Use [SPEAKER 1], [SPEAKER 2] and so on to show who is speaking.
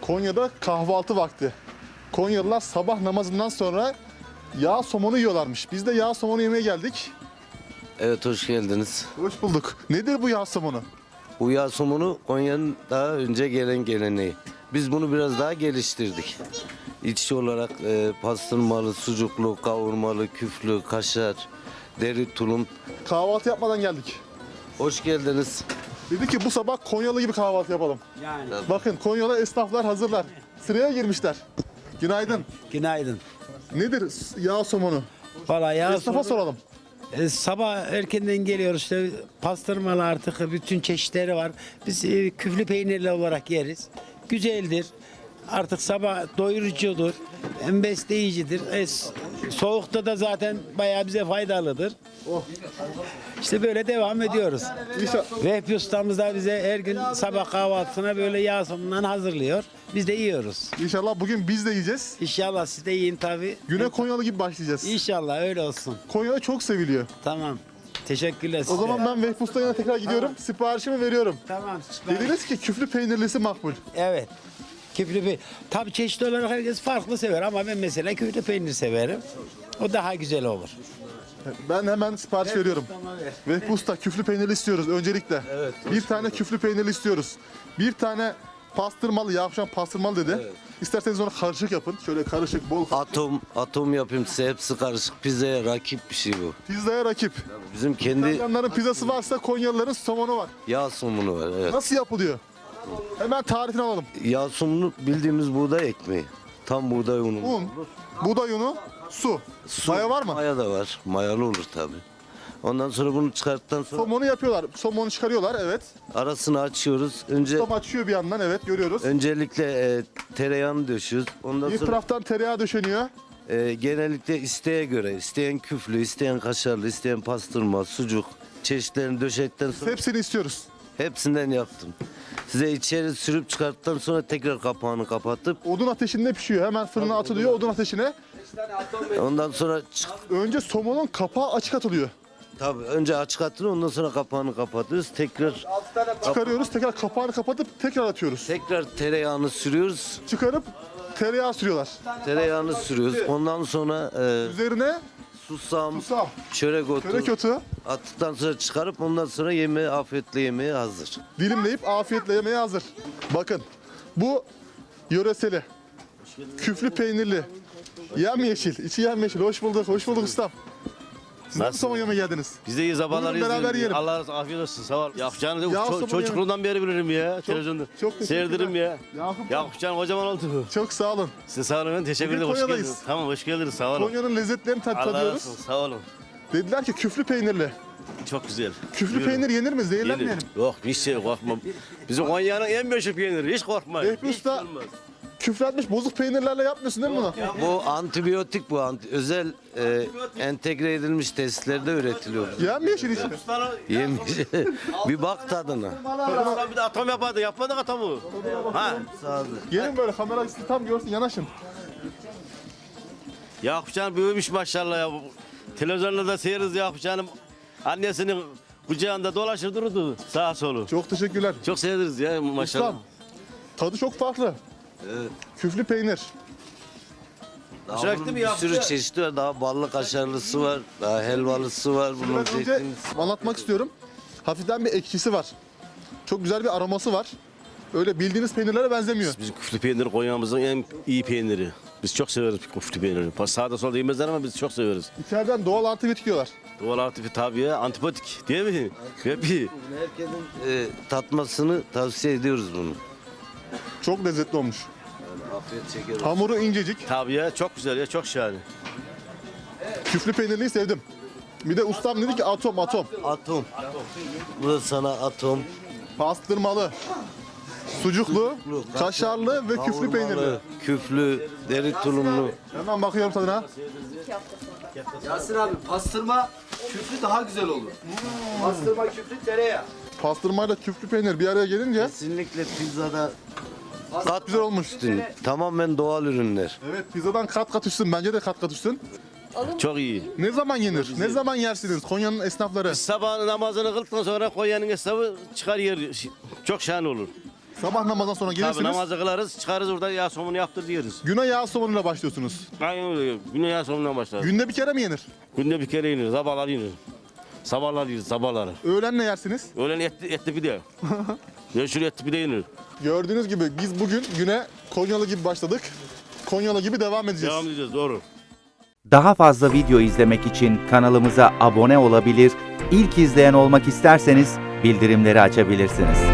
[SPEAKER 1] Konya'da kahvaltı vakti. Konyalılar sabah namazından sonra yağ somonu yiyorlarmış. Biz de yağ somonu yemeye geldik.
[SPEAKER 2] Evet, hoş geldiniz.
[SPEAKER 1] Hoş bulduk. Nedir bu yağ somonu?
[SPEAKER 2] Bu yağ somunu Konya'nın daha önce gelen geleneği. Biz bunu biraz daha geliştirdik. İçki olarak pastırmalı, sucuklu, kavurmalı, küflü, kaşar, deri tulum.
[SPEAKER 1] Kahvaltı yapmadan geldik.
[SPEAKER 2] Hoş geldiniz.
[SPEAKER 1] Dedi ki bu sabah Konyalı gibi kahvaltı yapalım.
[SPEAKER 3] Yani.
[SPEAKER 1] Bakın Konyalı esnaflar hazırlar. Sıraya girmişler. Günaydın.
[SPEAKER 3] Günaydın.
[SPEAKER 1] Nedir yağ somonu?
[SPEAKER 3] Vallahi ya
[SPEAKER 1] Esnafa soralım.
[SPEAKER 3] sabah erkenden geliyoruz işte pastırmalı artık bütün çeşitleri var. Biz küflü peynirli olarak yeriz. Güzeldir. Artık sabah doyurucudur. Hem besleyicidir. Soğukta da zaten bayağı bize faydalıdır. İşte böyle devam ediyoruz.
[SPEAKER 1] İnşallah.
[SPEAKER 3] Vehbi ustamız da bize her gün sabah kahvaltısına böyle yağ somundan hazırlıyor. Biz de yiyoruz.
[SPEAKER 1] İnşallah bugün biz de yiyeceğiz.
[SPEAKER 3] İnşallah siz de yiyin tabii.
[SPEAKER 1] Güne Konyalı gibi başlayacağız.
[SPEAKER 3] İnşallah öyle olsun.
[SPEAKER 1] Konya çok seviliyor.
[SPEAKER 3] Tamam. Teşekkürler
[SPEAKER 1] O
[SPEAKER 3] size.
[SPEAKER 1] zaman ben Vehbi Usta'ya yanına tekrar gidiyorum. Siparişimi veriyorum.
[SPEAKER 3] Tamam.
[SPEAKER 1] Dediniz ki küflü peynirlisi makbul.
[SPEAKER 3] Evet. Küflü peynir. Tabii çeşitli olarak herkes farklı sever ama ben mesela küflü peynir severim. O daha güzel olur.
[SPEAKER 1] Ben hemen sipariş veriyorum. Vehbi Usta küflü peynirli istiyoruz öncelikle.
[SPEAKER 2] Evet,
[SPEAKER 1] bir tane küflü peynirli istiyoruz. Bir tane pastırmalı, Yavşan pastırmalı dedi.
[SPEAKER 2] Evet.
[SPEAKER 1] İsterseniz onu karışık yapın. Şöyle karışık, bol.
[SPEAKER 2] Atom yapayım size, hepsi karışık. Pizzaya rakip bir şey bu.
[SPEAKER 1] Pizzaya rakip.
[SPEAKER 2] Bizim kendi
[SPEAKER 1] İtalyanların pizzası varsa Konyalıların somonu var.
[SPEAKER 2] yağ somunu var. Evet.
[SPEAKER 1] Nasıl yapılıyor? Hemen tarifini alalım.
[SPEAKER 2] Yağ somunu bildiğimiz buğday ekmeği. Tam buğday unu.
[SPEAKER 1] Un, buğday unu, su. Maya var mı?
[SPEAKER 2] Maya da var. Mayalı olur tabii. Ondan sonra bunu çıkarttıktan sonra
[SPEAKER 1] Somonu yapıyorlar. Somonu çıkarıyorlar, evet.
[SPEAKER 2] arasını açıyoruz.
[SPEAKER 1] Tam açıyor bir yandan, evet görüyoruz.
[SPEAKER 2] Öncelikle tereyağını döşüyoruz. Ondan
[SPEAKER 1] Bir
[SPEAKER 2] sonra
[SPEAKER 1] taraftan tereyağı döşeniyor.
[SPEAKER 2] genellikle isteğe göre, isteyen küflü, isteyen kaşarlı, isteyen pastırma, sucuk çeşitlerini döşedikten sonra
[SPEAKER 1] Hepsini istiyoruz.
[SPEAKER 2] hepsinden yaptım. Size içeri sürüp çıkarttıktan sonra tekrar kapağını kapatıp
[SPEAKER 1] Odun ateşinde pişiyor. Hemen fırına atılıyor odun ateşine.
[SPEAKER 2] ondan sonra
[SPEAKER 1] Önce somonun kapağı açık atılıyor.
[SPEAKER 2] tabii önce açık atılıyor, ondan sonra kapağını kapatıyoruz. Tekrar
[SPEAKER 1] Çıkarıyoruz, tekrar kapağını kapatıp tekrar atıyoruz.
[SPEAKER 2] tekrar tereyağını sürüyoruz.
[SPEAKER 1] Çıkarıp tereyağı sürüyorlar.
[SPEAKER 2] Tereyağını sürüyoruz. Ondan sonra
[SPEAKER 1] Üzerine
[SPEAKER 2] susam,
[SPEAKER 1] susam,
[SPEAKER 2] çörek otu
[SPEAKER 1] çörek otu
[SPEAKER 2] attıktan sonra çıkarıp ondan sonra yemeğe, afiyetle yemeğe hazır.
[SPEAKER 1] dilimleyip afiyetle yemeye hazır. Bakın bu yöreseli, küflü peynirli, yemyeşil, içi yemyeşil. Hoş bulduk, hoş bulduk ustam. Siz nasıl somon yemeye geldiniz?
[SPEAKER 4] Biz de iyi sabahlar
[SPEAKER 1] Buyurun, beraber yiyelim.
[SPEAKER 4] Allah afiyet olsun sağ ol. Yakupcan'ı da
[SPEAKER 1] Yağ somonu
[SPEAKER 4] çocukluğundan beri bilirim ya televizyonda.
[SPEAKER 1] çok teşekkürler.
[SPEAKER 4] Seyrederim ya.
[SPEAKER 1] Yakup,
[SPEAKER 4] Yakupcan kocaman oldu.
[SPEAKER 1] çok sağ olun.
[SPEAKER 4] Size sağ olun, teşekkür
[SPEAKER 1] Bugün
[SPEAKER 4] ederim. Hoş
[SPEAKER 1] Konya'dayız.
[SPEAKER 4] geldiniz. Tamam, hoş geldiniz, sağ olun.
[SPEAKER 1] Konya'nın lezzetlerini
[SPEAKER 4] Allah razı
[SPEAKER 1] tadıyoruz.
[SPEAKER 4] olsun, sağ olun.
[SPEAKER 1] Dediler ki küflü peynirli.
[SPEAKER 4] Çok güzel.
[SPEAKER 1] Küflü
[SPEAKER 4] Buyurun.
[SPEAKER 1] peynir yenir mi? Zehirlenmeyelim.
[SPEAKER 4] Yenir. Yok, hiç şey korkmam. Bizim Konya'nın en meşhur peyniri, hiç korkmayın.
[SPEAKER 1] Vehbi
[SPEAKER 4] Hiç
[SPEAKER 1] Usta,
[SPEAKER 4] olmaz.
[SPEAKER 1] küfretmiş bozuk peynirlerle yapmıyorsun değil mi bunu?
[SPEAKER 2] Bu antibiyotik bu. Özel entegre edilmiş tesislerde üretiliyor.
[SPEAKER 1] Yemyeşil içi.
[SPEAKER 2] Yemiş. Bir bak tadına.
[SPEAKER 4] Ulan bir de atom yapardı, yapmadık atomu. Ha,
[SPEAKER 1] Gelin böyle kamera sizi tam görsün yanaşın.
[SPEAKER 4] Yakupcan büyümüş maşallah ya. Televizyonda da seyiriz Yakupcan'ın annesinin kucağında dolaşır dururdu sağa solu.
[SPEAKER 1] Çok teşekkürler.
[SPEAKER 4] Çok sevdiriz ya maşallah.
[SPEAKER 1] Ustam, tadı çok farklı. Küflü peynir.
[SPEAKER 2] Daha
[SPEAKER 4] Sürekli
[SPEAKER 2] bunun
[SPEAKER 4] mi
[SPEAKER 2] bir
[SPEAKER 4] yaptı?
[SPEAKER 2] sürü çeşidi var. Daha ballı kaşarlısı var. Daha helvalısı var. Bunun
[SPEAKER 1] Ben önce
[SPEAKER 2] zeytinlisi.
[SPEAKER 1] anlatmak istiyorum. Hafiften bir ekşisi var. Çok güzel bir aroması var. Öyle bildiğiniz peynirlere benzemiyor.
[SPEAKER 4] Bizim küflü peynir Konya'mızın en iyi peyniri. Biz çok severiz küflü peynirini. Sağda solda yemezler ama biz çok severiz.
[SPEAKER 1] İçeriden doğal antibiyotik diyorlar.
[SPEAKER 4] Doğal aktifi tabii ya, antipatik değil mi? Hep
[SPEAKER 2] Herkesin tatmasını tavsiye ediyoruz bunu.
[SPEAKER 1] Çok lezzetli olmuş.
[SPEAKER 2] Afiyet şeker olsun.
[SPEAKER 1] Hamuru incecik.
[SPEAKER 4] tabii ya, çok güzel ya, çok şahane.
[SPEAKER 1] Küflü peynirliyi sevdim. Bir de ustam dedi ki atom.
[SPEAKER 2] Atom. Bu da sana atom.
[SPEAKER 1] Pastırmalı, sucuklu, kaşarlı ve küflü peynirli.
[SPEAKER 2] Kavurmalı, küflü, deri tulumlu.
[SPEAKER 1] Hemen bakıyorum tadına.
[SPEAKER 5] Yasir abi pastırma küflü daha güzel olur. Pastırma küflü tereyağı.
[SPEAKER 1] Pastırmayla küflü peynir bir araya gelince
[SPEAKER 2] Kesinlikle pizzada kat
[SPEAKER 1] güzel olmuş.
[SPEAKER 2] üstün. Tamamen doğal ürünler.
[SPEAKER 1] Evet, pizzadan kat kat üstün. Bence de kat kat üstün.
[SPEAKER 4] Çok iyi.
[SPEAKER 1] Ne zaman yenir? Ne zaman yersiniz Konya'nın esnafları?
[SPEAKER 4] Sabah namazını kıldıktan sonra Konya'nın hesabı çıkar yer. Çok şahane olur.
[SPEAKER 1] Sabah namazdan sonra
[SPEAKER 4] Tabii
[SPEAKER 1] gelirsiniz.
[SPEAKER 4] namazı kılarız, çıkarız orada yağ somunu yaptır diyoruz.
[SPEAKER 1] Güne yağ somonuyla başlıyorsunuz.
[SPEAKER 4] Aynen öyle. Güne yağ somundan başlarız.
[SPEAKER 1] Günde bir kere mi yenir?
[SPEAKER 4] Günde bir kere yenir, sabahlar yenir. Sabahlar yenir, sabahları.
[SPEAKER 1] Öğlen ne yersiniz?
[SPEAKER 4] Öğlen etli pide. Yeşil etli pide yenir.
[SPEAKER 1] Gördüğünüz gibi biz bugün güne Konyalı gibi başladık. Konyalı gibi devam edeceğiz.
[SPEAKER 4] Devam edeceğiz, doğru.
[SPEAKER 6] Daha fazla video izlemek için kanalımıza abone olabilir, ilk izleyen olmak isterseniz bildirimleri açabilirsiniz.